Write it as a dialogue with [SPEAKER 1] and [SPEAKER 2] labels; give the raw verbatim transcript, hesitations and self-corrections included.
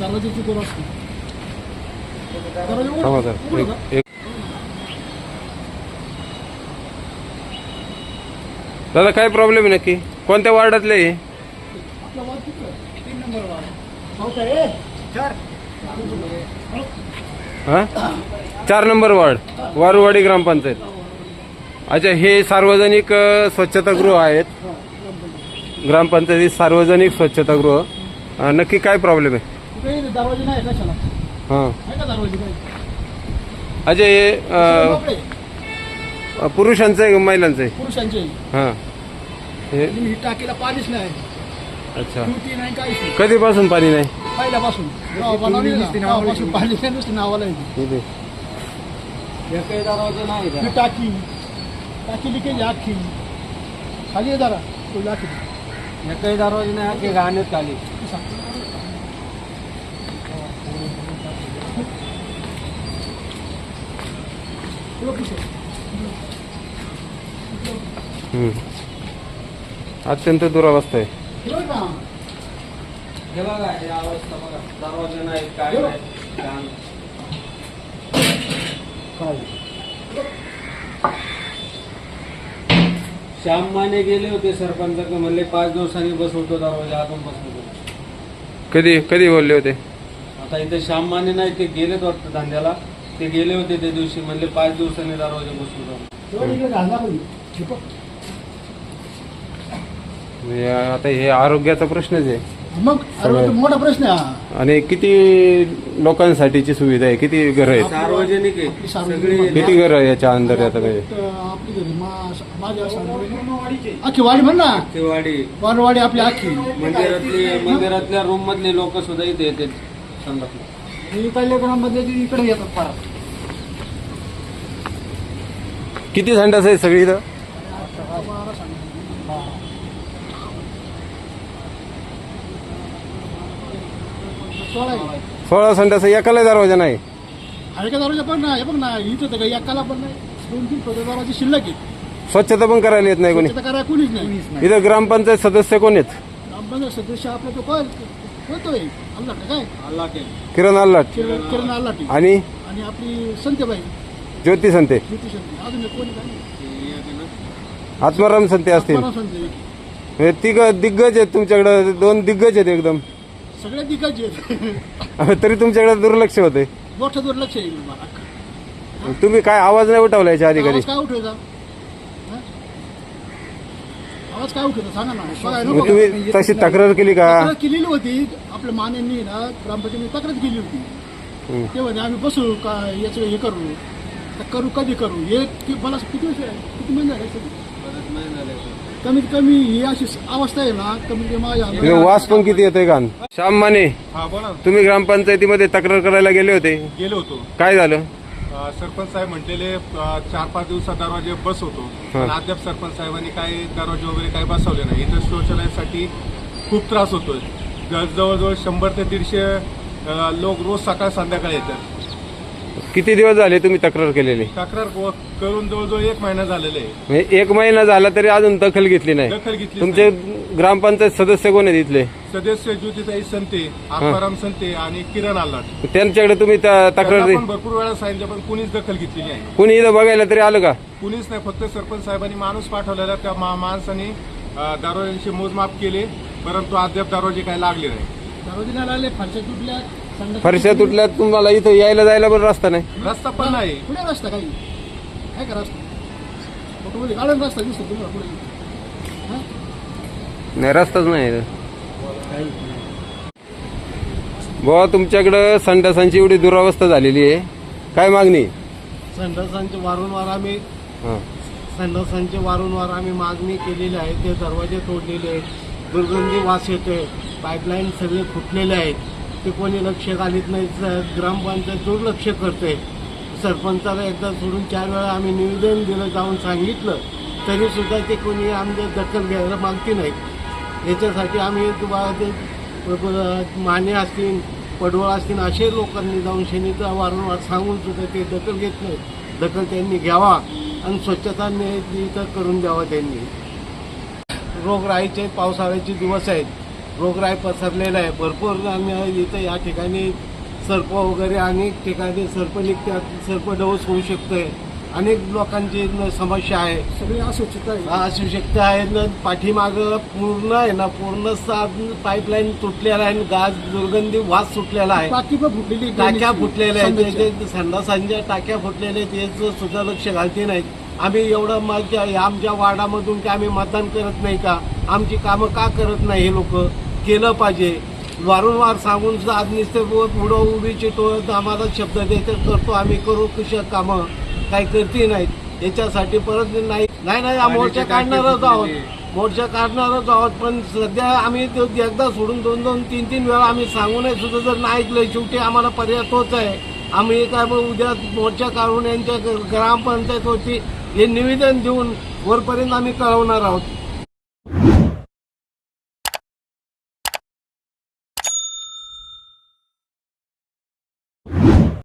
[SPEAKER 1] दरवाजाची दोर असते. दरवाजा
[SPEAKER 2] थांबा
[SPEAKER 1] उघडा.
[SPEAKER 2] सर
[SPEAKER 1] उघडा
[SPEAKER 2] एक
[SPEAKER 1] का?
[SPEAKER 2] एक दादा काय प्रॉब्लेम आहे नक्की? कोणत्या वार्डातले आहे?
[SPEAKER 1] आपला वाद किती आहे? तीन नंबर वाद. चौथा आहे. चार.
[SPEAKER 2] हा चार नंबर वार्ड वारुवाडी ग्रामपंचायत. अच्छा, हे सार्वजनिक अ, स्वच्छतागृह आहेत. ग्रामपंचायतीत सार्वजनिक स्वच्छतागृह. अ, नक्की काय प्रॉब्लेम आहे?
[SPEAKER 1] कुठे दरवाजे नाही कशाला?
[SPEAKER 2] हां
[SPEAKER 1] आहे का दरवाजे काही?
[SPEAKER 2] अच्छा, हे अ,
[SPEAKER 1] कपडे
[SPEAKER 2] पुरुषांचं आहे का महिलांचं आहे?
[SPEAKER 1] पुरुषांचे.
[SPEAKER 2] हां हे
[SPEAKER 1] ही टाकीला पाणीच नाही.
[SPEAKER 2] अच्छा,
[SPEAKER 1] ड्युटी नाही काहीच नाही.
[SPEAKER 2] कधीपासून पाणी नाही?
[SPEAKER 1] पहिल्यापासून नाव बनवली ना, तेव्हापासून पाणी नाही, नुसतं नावाला येते.
[SPEAKER 2] इथे
[SPEAKER 1] काही दरवाजे नाही. ही टाकी टाकी लिकेज अख्खी खाली आहे जरा तो टाकी.
[SPEAKER 3] काही दरवाजे नाही, अख्खे घाणेत खाली.
[SPEAKER 2] हम्म. अत्यंत दुरावस्था आहे.
[SPEAKER 3] हे बघा, ही अवस्था बघा. दरवाजे नाही, काय नाही, घाण. श्याम माने गेले होते सरपंच, म्हणले पाच दिवसांनी बसवतो दरवाजा, अजून बसवतो.
[SPEAKER 2] कधी कधी बोलले होते?
[SPEAKER 3] आता इथे श्याम माने नाही, ते गेलेत वाटतं धंद्याला. ते गेले होते त्या दिवशी, म्हणले पाच दिवसांनी दरवाजा बसवतो.
[SPEAKER 2] म्हणजे आता हे आरोग्याचा प्रश्नच आहे.
[SPEAKER 1] मग आरोग्य मोठा प्रश्न आहे हा.
[SPEAKER 2] आणि किती लोकांसाठीची सुविधा आहे? किती घर आहेत?
[SPEAKER 3] सार्वजनिक आहे
[SPEAKER 1] आपली
[SPEAKER 3] सगळी.
[SPEAKER 1] सार्वजनिक
[SPEAKER 2] किती घर आहे याच्या अंदर आता म्हणजे?
[SPEAKER 1] तर आपली घरी मा- माझ्या सार्वजनिक अख्खी वाडी म्हण ना,
[SPEAKER 3] ते वाडी
[SPEAKER 1] वारवाडी आपली अख्खी.
[SPEAKER 3] मंदिरातली मंदिरातल्या रूम मधले लोक सुद्धा इथे येतात संडासला.
[SPEAKER 1] इकडल्या ग्राममध्ये इकडे येतात फार.
[SPEAKER 2] किती संडास आहे सगळी इथं?
[SPEAKER 1] सोळा आहे.
[SPEAKER 2] सोळा संडास आहे, एकाला दरवाजा नाही.
[SPEAKER 1] आहे का दरवाजा पण नाही. हे बघ ना, इथं तर काही एकाला पण नाही. दोन तीन पदर दरवाजे शिल्लक आहेत.
[SPEAKER 2] स्वच्छता पण करायला येत नाही कोणी.
[SPEAKER 1] स्वच्छता करायला कुणीच नाही.
[SPEAKER 2] इथं ग्रामपंचायत सदस्य कोण आहेत?
[SPEAKER 1] ग्रामपंचायत सदस्य आपला तो काय होतोय अल्लाट काय
[SPEAKER 3] अल्लाह के
[SPEAKER 2] किरण आल्लाट
[SPEAKER 1] किरण किरण अल्लाटी
[SPEAKER 2] आणि
[SPEAKER 1] आणि आपली संतेबाई
[SPEAKER 2] ज्योती संते,
[SPEAKER 1] ज्योती संते. अजून एक कोणी काय
[SPEAKER 2] आत्माराम संते असतील.
[SPEAKER 1] परम संते.
[SPEAKER 2] हे तिघ दिग्गज आहेत तुमच्याकडे. दोन दिग्गज आहेत एकदम.
[SPEAKER 1] सगळे दिग्गज आहेत.
[SPEAKER 2] तरी तुमच्याकडे दुर्लक्ष होते.
[SPEAKER 1] मोठं दुर्लक्ष आहे मला.
[SPEAKER 2] तुम्ही काय आवाज नाही उठवला याच्या आधी कधी?
[SPEAKER 1] आवाज काय उठवायचा? हा? आवाज काय उठवायचा सांगा ना. बघा,
[SPEAKER 2] मग
[SPEAKER 1] नको.
[SPEAKER 2] तुम्ही तशी तक्रार केली का?
[SPEAKER 1] तक्रार केलेली होती. आपल्या मान्यांनी ना ग्रामपंचायतीने तक्रार केली होती.
[SPEAKER 2] हम्म.
[SPEAKER 1] ते म्हणे आम्ही बसू का याचं हे करू तर करू कधी करू. हे कि- मला किती वर्ष आहे? किती महिने झाले असेल?
[SPEAKER 3] परत नाही झाले.
[SPEAKER 1] कमीत कमी ही अशी अवस्था आहे ना, कमीत कमी माझ्या
[SPEAKER 2] इथे वास पण किती येतोय का? श्याम माने,
[SPEAKER 4] हा बोला ना.
[SPEAKER 2] तुम्ही ग्रामपंचायतीमध्ये तक्रार करायला गेले होते,
[SPEAKER 4] गेलो होतो.
[SPEAKER 2] काय झालं?
[SPEAKER 4] अ, सरपंच साहेब म्हटलेले अ, चार पाच दिवसात दरवाजे बसवतो,
[SPEAKER 2] हा.
[SPEAKER 4] पण अद्याप सरपंच साहेबांनी काही दरवाजे वगैरे काही बसवले नाही. इथं शौचालयासाठी खूप त्रास होतोय. ज- जवळजवळ शंभर ते दीडशे अ, लोक रोज सकाळ संध्याकाळी येतात.
[SPEAKER 2] किती दिवस झाले तुम्ही तक्रार केलेली?
[SPEAKER 4] तक्रार क- करून जवळजवळ एक महिना झालेला आहे.
[SPEAKER 2] म्हणजे एक महिना झाला तरी अजून दखल घेतली नाही.
[SPEAKER 4] दखल घेतली
[SPEAKER 2] तुमचे ग्रामपंचायत सदस्य कोण आहेत इथले?
[SPEAKER 4] सदस्य ज्योतिताई संते, आत्माराम संते आणि किरण आल्लाट.
[SPEAKER 2] त्यांच्याकडे तुम्ही त- तक्रार
[SPEAKER 4] त्यांना
[SPEAKER 2] दि-
[SPEAKER 4] पण भरपूर वेळा सांगितलं, पण कुणीच दखल घेतलेली आहे.
[SPEAKER 2] कुणी इथं बघायला तरी आलं का?
[SPEAKER 4] कुणीच नाही. फक्त सरपंच साहेबांनी माणूस पाठवलेला, त्या मा- माणसाने अ, दरवाजांचे मोजमाप केले, परंतु अद्याप दरवाजे काही लागले नाही.
[SPEAKER 1] दरवाजे नाही लागले, फरशा तुटल्या, संडास
[SPEAKER 2] फरशा
[SPEAKER 1] तुटली.
[SPEAKER 2] तुटल्यात, तुम्हाला इथं यायला जायला पण रस्ता नाही.
[SPEAKER 4] रस्ता पण नाही.
[SPEAKER 1] कुठे रस्ता काही काय का रस्ता? फोटोमध्ये गार्डन रस्ता दिसतो तुम्हाला पुढे. हा?
[SPEAKER 2] नाही, रस्ताच नाही इथं. बुवा, तुमच्याकडं संडासांची एवढी दुरावस्था झालेली आहे, काय मागणी?
[SPEAKER 5] संडासांचे वारंवार आम्ही
[SPEAKER 2] हां
[SPEAKER 5] संडासांचे वारंवार आम्ही मागणी केलेली आहे. ते दरवाजे तोडलेले आहेत, दुर्गंधी वास येतोय, पाईपलाईन सगळे फुटलेले आहेत. ते कोणी लक्ष घालीत नाही. स- ग्रामपंचायत दुर्लक्ष करते. सरपंचाला एकदा सोडून चार वेळा आम्ही निवेदन दिलं, जाऊन सांगितलं, तरीसुद्धा ते कोणी आमच्या दखल घ्यायला मागती नाहीत. याच्यासाठी आम्ही तुम्हाला ते प- प- माने असतील, पडवळ असतील, असे लोकांनी जाऊन शनीचा वारंवार सांगून सुद्धा ते दखल घेत नाहीत. दखल त्यांनी घ्यावा आणि स्वच्छता इथं करून द्यावा. त्यांनी रोगराईचे पावसाळ्याचे दिवस आहेत. रोगराई पसरलेला आहे भरपूर. आणि इथं या ठिकाणी सर्प वगैरे अनेक ठिकाणी सर्प निघतात, सर्प डोस होऊ शकतोय. अनेक लोकांची न- समस्या आहे,
[SPEAKER 1] सगळी अस्वच्छता आहे.
[SPEAKER 5] हा, असू शकता आहे ना. पाठीमागं पूर्ण आहे ना, पूर्ण पाईपलाईन तुटलेला आहे, गाज दुर्गंधी वास सुटलेला आहे,
[SPEAKER 1] टाकी पण फुटलेली,
[SPEAKER 5] टाक्या फुटलेल्या आहेत,
[SPEAKER 1] संडासच्या.
[SPEAKER 5] ते संडासांच्या टाक्या फुटलेल्या आहेत, याचं सुद्धा लक्ष घालते नाहीत. आम्ही एवढं मग आमच्या वार्डामधून की आम्ही मतदान करत नाही का? आमची कामं का करत नाही हे लोक? केलं पाहिजे. वारंवार सांगून सुद्धा आज नुसते पुढं उभी चिटवत आम्हाला शब्द द्यायचे, करतो आम्ही, करू कशा कामं, काही करते नाहीत. याच्यासाठी परत नाही नाही नाही हा मोर्चा काढणारच आहोत, मोर्चा काढणारच आहोत. पण सध्या आम्ही तो एकदा सोडून दोन दोन तीन तीन वेळा आम्ही सांगूनही सुद्धा जर नाही ऐकलं, शेवटी आम्हाला पर्याय तोच आहे. आम्ही काय मग उद्या मोर्चा काढून यांच्या ग्रामपंचायत होती हे निवेदन देऊन वरपर्यंत आम्ही कळवणार आहोत.